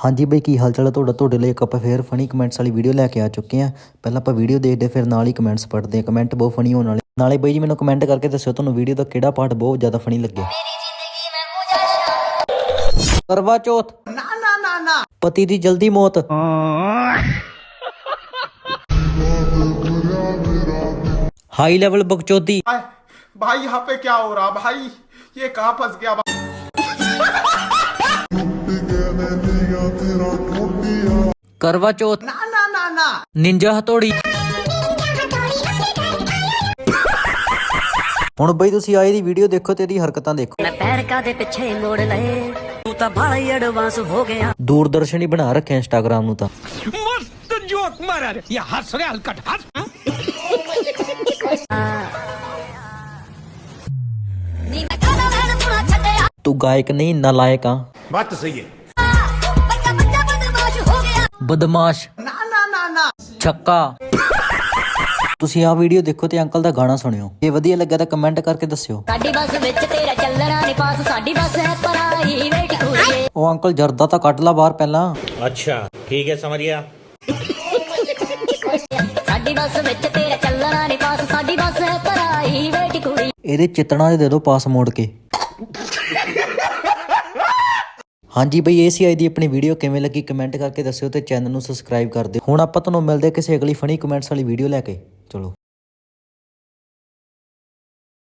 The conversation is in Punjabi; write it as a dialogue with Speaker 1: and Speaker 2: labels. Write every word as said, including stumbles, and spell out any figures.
Speaker 1: हाँ जी बई की हाल चाल है ਤੁਹਾਡਾ ਤੁਹਾਡੇ ਲਈ ਇੱਕ ਆਪਾਂ ਫੇਰ ਫਨੀ ਕਮੈਂਟਸ ਵਾਲੀ ਵੀਡੀਓ ਲੈ ਕੇ ਆ ਚੁੱਕੇ ਆ। ਪਹਿਲਾਂ ਆਪਾਂ ਵੀਡੀਓ ਦੇਖਦੇ ਫਿਰ ਨਾਲ ਹੀ ਕਮੈਂਟਸ ਪੜ੍ਹਦੇ ਆ। ਕਮੈਂਟ ਬਹੁਤ ਫਨੀ ਹੋਣ ਵਾਲੇ ਨਾਲੇ ਬਈ ਜੀ ਮੈਨੂੰ ਕਮੈਂਟ ਕਰਕੇ ਦੱਸਿਓ ਤੁਹਾਨੂੰ ਵੀਡੀਓ ਦਾ ਕਿਹੜਾ ਪਾਰਟ ਬਹੁਤ ਜ਼ਿਆਦਾ ਫਨੀ ਲੱਗਿਆ। ਕਰਵਾ ਚੌਥ ਨਾ ਨਾ ਨਾ ਨਾ ਪਤੀ ਦੀ ਜਲਦੀ ਮੌਤ हाई लेवल बकचोदी
Speaker 2: भाई यहाँ पे क्या हो रहा भाई, ये कहाँ फंस गया भाई?
Speaker 1: करवा चौथ
Speaker 2: ना ना ना ना
Speaker 1: निंजा हथौड़ी ਹੁਣ ਬਈ ਤੁਸੀਂ ਆਏ ਦੀ ਵੀਡੀਓ ਦੇਖੋ ਤੇ ਇਹਦੀ ਹਰਕਤਾਂ ਦੇਖੋ।
Speaker 3: ਮੈਂ ਪੈਰ ਕਾਦੇ ਪਿੱਛੇ ਮੋੜ ਲਏ ਤੂੰ ਤਾਂ ਬੜਾ ਹੀ ਐਡਵਾਂਸ ਹੋ ਗਿਆ।
Speaker 1: ਦੂਰਦਰਸ਼ਨ ਹੀ ਬਣਾ ਰੱਖਿਆ ਇੰਸਟਾਗ੍ਰਾਮ ਨੂੰ ਤਾਂ।
Speaker 4: मस्त जोक मारा रे ये हंस रे हलकट हंस।
Speaker 1: तू गायक नहीं नालायक आ।
Speaker 2: बात तो सही है।
Speaker 1: बदमाश
Speaker 2: ना ना ना ना
Speaker 1: छक्का। ਤੁਸੀਂ ਆ ਵੀਡੀਓ ਦੇਖੋ ਤੇ ਅੰਕਲ ਦਾ ਗਾਣਾ ਸੁਣਿਓ। ਜੇ ਵਧੀਆ ਲੱਗਾ ਤਾਂ ਕਮੈਂਟ ਕਰਕੇ ਦੱਸਿਓ।
Speaker 3: ਸਾਡੀ ਬੱਸ ਵਿੱਚ ਤੇਰਾ ਚੱਲਣਾ ਨਹੀਂ ਪਾਸ ਸਾਡੀ ਬੱਸ ਹੈ ਪ੍ਰਾਈਵੇਟ ਕੁੜੀਏ।
Speaker 1: ਉਹ ਅੰਕਲ ਜਰਦਾ ਤਾਂ ਕੱਢ ਲਾ ਬਾਹਰ ਪਹਿਲਾਂ।
Speaker 5: अच्छा ठीक है समझ गया।
Speaker 3: ਸਾਡੀ ਬੱਸ ਵਿੱਚ ਤੇਰਾ ਚੱਲਣਾ ਨਹੀਂ ਪਾਸ ਸਾਡੀ ਬੱਸ ਹੈ ਪ੍ਰਾਈਵੇਟ ਕੁੜੀ।
Speaker 1: ਇਹਦੇ ਚਿੱਤਣਾ ਦੇ ਦਿਓ ਪਾਸ ਮੋੜ ਕੇ। ਹਾਂਜੀ ਬਈ ਇਹ ਸੀ ਅੱਜ ਦੀ ਆਪਣੀ ਵੀਡੀਓ। ਕਿਵੇਂ ਲੱਗੀ ਕਮੈਂਟ ਕਰਕੇ ਦੱਸਿਓ ਤੇ ਚੈਨਲ ਨੂੰ ਸਬਸਕ੍ਰਾਈਬ ਕਰ ਦਿਓ। ਹੁਣ ਆਪਾਂ ਤੁਹਾਨੂੰ ਮਿਲਦੇ ਕਿਸੇ ਅਗਲੀ ਫਨੀ ਕਮੈਂਟਸ ਵਾਲੀ ਵੀਡੀਓ ਲੈ ਕੇ। ਚਲੋ।